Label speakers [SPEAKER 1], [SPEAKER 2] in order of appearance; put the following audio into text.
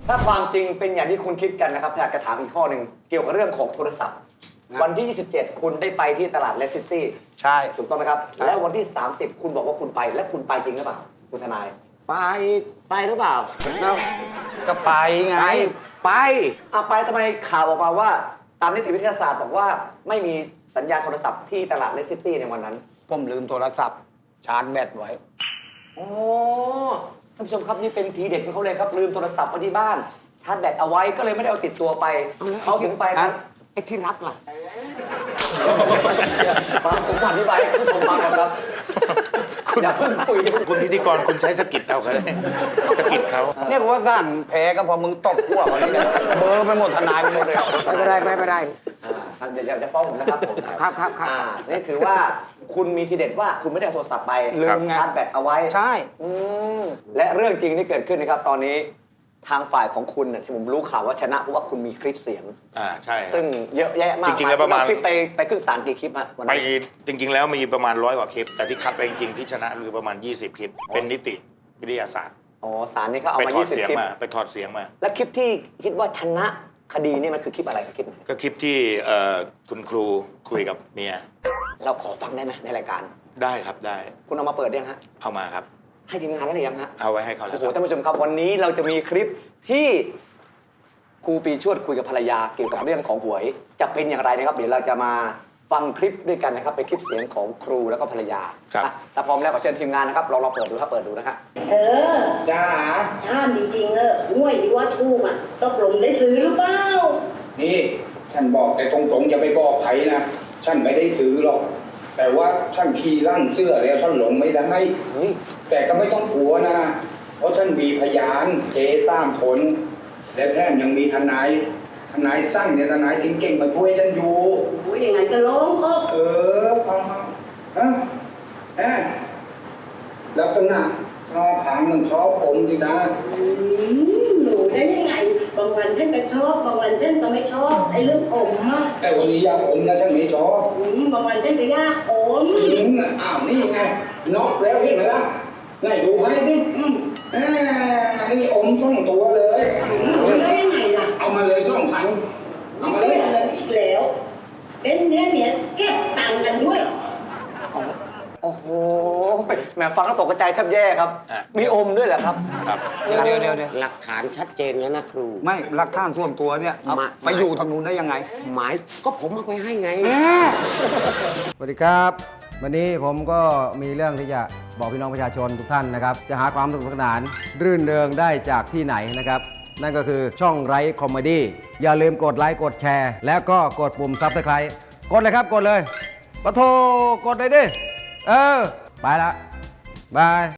[SPEAKER 1] ถ้าความจริงเป็นอย่างที่คุณคิดกันนะครับอยากจะถามอีกข้อหนึ่งเกี่ยวกับเรื่องของโทรศัพท์ วันที่ 27 คุณได้ไปที่ตลาดเลสซิตี้
[SPEAKER 2] ใช่
[SPEAKER 1] ถูกต้องไหมครับแล้ววันที่ 30 คุณบอกว่าคุณไปและคุณไปจริงหรือเปล่าคุณทนาย
[SPEAKER 3] ไปหรือเปล่า
[SPEAKER 2] ก็ไปไง
[SPEAKER 3] ไป
[SPEAKER 1] ไปทำไมข่าวออกมาว่าตามนิติวิทยาศาสตร์บอกว่าไม่มีสัญญาณโทรศัพท์ที่ตลาดเลสซิตี้ในวันนั้น
[SPEAKER 2] ผมลืมโทรศัพท์ชาร์จแบตไว้
[SPEAKER 1] โอ้ท่านผู้ชมครับนี่เป็นทีเด็ดของเขาเลยครับลืมโทรศัพท์ไว้ที่บ้านชาร์จแบตเอาไว้ก็เลยไม่ได้เอาติดตัวไปเขาถึงไปครับ
[SPEAKER 3] ไอ้ที่รักล่ะ
[SPEAKER 1] ฟังผมอธิบายให้คุณผู้ชมฟังก่อนครับอย่าเพิ่งคุย
[SPEAKER 4] คุณพิธีกรคุณใช้สกิดเอาเขาเลยสกิดเขา
[SPEAKER 2] เนี่ยกูว่าสั่นแพ้ก็พอมึงตบหัวเขาเนี่ยเบอร์ไปหมดทนายไปหมดเลย
[SPEAKER 3] ไม่เป็นไร
[SPEAKER 1] ท่านอย่าจะฟ้องผมนะครับผม
[SPEAKER 3] ครับ
[SPEAKER 1] นี่ถือว่าคุณมีทีเด็ดว่าคุณไม่ได้เอาโทรศัพท์ไป
[SPEAKER 2] ลืมไง
[SPEAKER 1] ชาร์จแบตเอาไว้
[SPEAKER 2] ใช่
[SPEAKER 1] และเรื่องจริงที่เกิดขึ้นนะครับตอนนี้ทางฝ่ายของคุณที่ผมรู้ข่าวว่าชนะเพราะว่าคุณมีคลิปเสียง
[SPEAKER 4] ใช่ครับ
[SPEAKER 1] ซึ่งเยอะแยะมาก
[SPEAKER 4] จริงๆแล้วประมาณ
[SPEAKER 1] คลิปไปขึ้นศาลกี่คลิปฮะวัน
[SPEAKER 4] ไป
[SPEAKER 1] นั้น
[SPEAKER 4] จริง ๆ แล้วมีประมาณ100 กว่าคลิป แต่ที่คัดไปจริงๆที่ชนะคือประมาณ 20 คลิป เป็นนิติวิทยาศาสตร์
[SPEAKER 1] อ๋อศาลนี่เขาเอา
[SPEAKER 4] ไป
[SPEAKER 1] มา
[SPEAKER 4] ถอด
[SPEAKER 1] 20
[SPEAKER 4] เสียง
[SPEAKER 1] คลิป
[SPEAKER 4] มาไปถอดเสียงมา
[SPEAKER 1] และคลิปที่คิดว่าชนะคดีนี่มันคือคลิปอะไรครับคลิปไหน
[SPEAKER 4] ก็คลิปที่คุณครูคุยกับเมีย
[SPEAKER 1] เราขอฟังได้ไหมในรายการ
[SPEAKER 4] ได้ครับได้
[SPEAKER 1] คุณเอามาเปิดยังฮะ
[SPEAKER 4] เอามาครับ
[SPEAKER 1] ให้ทีมงานแล้วหรือยังฮะ
[SPEAKER 4] เอาไว้ให้เขาแล้
[SPEAKER 1] โอ้
[SPEAKER 4] ว
[SPEAKER 1] โห
[SPEAKER 4] ครับ
[SPEAKER 1] ท่านผู้ชมครับวันนี้เราจะมีคลิปที่ครูปีชวดคุยกับภรรยาเกี่ยวกับเรื่องของหวย จะเป็นอย่างไรนะครับเดี๋ยวเราจะมาฟังคลิปด้วยกันนะครับเป็นคลิปเสียงของครูแล้วก็ภรรยา
[SPEAKER 4] ครับ
[SPEAKER 1] ถ้าพร้อมแล้วขอเชิญทีมงานนะครับเราเปิดดูครับเปิดดูนะครับ
[SPEAKER 2] จ้า
[SPEAKER 5] ถ้ามจริงๆห่วยที่ว่าทูกตกลงได้ซื้อหรือเปล่า
[SPEAKER 6] นี่ฉันบอกแต่ตรงๆอย่าไปบอกใครนะฉันไม่ได้ซื้อหรอก แต่ว่าฉันขี่ร่างเสื้อแล้วฉันหลงไม่ได้
[SPEAKER 1] เฮ้ย
[SPEAKER 6] แต่ก็ไม่ต้องกลัวนะ เพราะฉันมีพยานเจ3 คนและแถมยังมีทนายสร้างเนี่ยทนายเก่งๆมาช่วยฉันอยู่
[SPEAKER 5] โอ้ยยังไงก็ร้องก็
[SPEAKER 6] เอาฮะลักษณะชอบถามมันชอบผมดิจ้า
[SPEAKER 5] หนูได้ยังไง บางวันฉันก็ชอบ บางวันฉันก็ไม่ชอบ ไอ้เรื่องอมอะ
[SPEAKER 6] แต่วันนี้อยากผมนะฉันไม่ชอบบ
[SPEAKER 5] างวันฉันก็ยากอม
[SPEAKER 6] อ้าวนี่ไงน็อกแล้วเห็นไหมล่ะไหนดูให้สินี่อม2 ตัวเลย
[SPEAKER 5] ได้ยังไงล่ะ
[SPEAKER 6] เอามาเลย2,000เอามาเล
[SPEAKER 5] ไม่
[SPEAKER 6] ย
[SPEAKER 5] อะไรอีกแล้ว เป็นเนี่ยเก็บตังค์กันด้วย
[SPEAKER 1] โอ้โหแหมฟังแล้วตกใจแทบแย่ครับ มีอมด้วยเหรอครับ
[SPEAKER 4] ครับ
[SPEAKER 2] เดี๋ยว
[SPEAKER 3] หลักฐานชัดเจนแล้วนะครู
[SPEAKER 2] ไม่หลักฐานส่วนตัวเนี่ยเอา
[SPEAKER 3] มา
[SPEAKER 2] ไปอยู่ทางนู้นได้ยังไง
[SPEAKER 3] หมายก็ผมเอาไปให้ไง
[SPEAKER 7] สวัสดีครับ วันนี้ผมก็มีเรื่องที่จะบอกพี่น้องประชาชนทุกท่านนะครับ จะหาความสนุกสนานรื่นเริงได้จากที่ไหนนะครับ นั่นก็คือช่องไร้คอมเมดี้อย่าลืมกดไลค์กดแชร์ แล้วก็กดปุ่มซับสไครต์กดเลยครับกดเลยปะโทกดเลยดิ ไปละบาย